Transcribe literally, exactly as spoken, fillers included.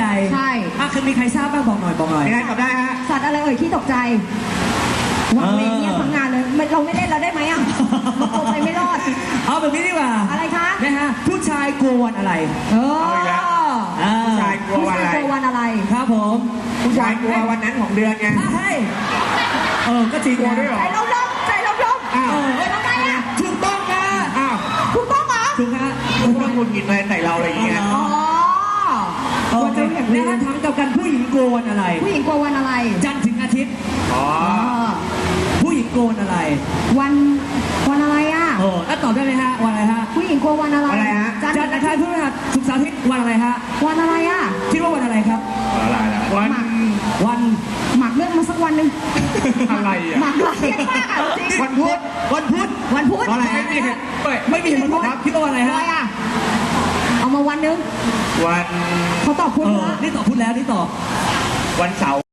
ใช่อ่ะคือมีใครทราบบ้างบอกหน่อยบอกหน่อยยังไงตอบได้ฮะสัตว์อะไรเอ่ยขี้ตกใจวางเวงเนี่ยทั้งงานเลยเราไม่เล่นเราได้ไหมอ่ะมันตัวไปไม่รอดเอาแบบนี้ดีกว่าอะไรคะนะฮะผู้ชายกลัววันอะไรเออผู้ชายกลัววันอะไรวันอะไรครับผมผู้ชายกลัววันนั้นของเดือนไงใช่เออก็จริงกลัวด้วยเหรอใจลมลมใจลมลมอ้าวทำไมอ่ะถูกต้องนะอ้าวถูกต้องเหรอถูกฮะคุณต้องคุณกินอะไรใส่เราอะไรอย่างเงี้ยอ๋อโอเคแล้วถ้าถามกับกันผู้หญิงกลัววันอะไรผู้หญิงกลัววันอะไรจันทร์ถึงอาทิตย์อ๋อผู้หญิงกลัววันอะไรวันวันอะไรอ่ะเออแล้วตอบได้ไหมฮะวันอะไรฮะผู้หญิงกลัววันอะไรอะไรฮะจันทร์อังคารพฤหัสศุกร์เสาร์อาทิตย์วันอะไรฮะวันอะไรอ่ะคิดว่าวันอะไรครับอะไรล่ะวันวันหมักเรื่องมาสักวันหนึ่งอะไรอ่ะหมักเรื่องมากอ่ะจริงวันพุธวันพุธวันพุธอะไรไม่มีเหตุไม่มีเหตุผลครับคิดว่าวันอะไรฮะเอามาวันหนึ่งวันเขาตอบพุธแล้วนี่ตอบพุธแล้วนี่ตอบวันเสาร์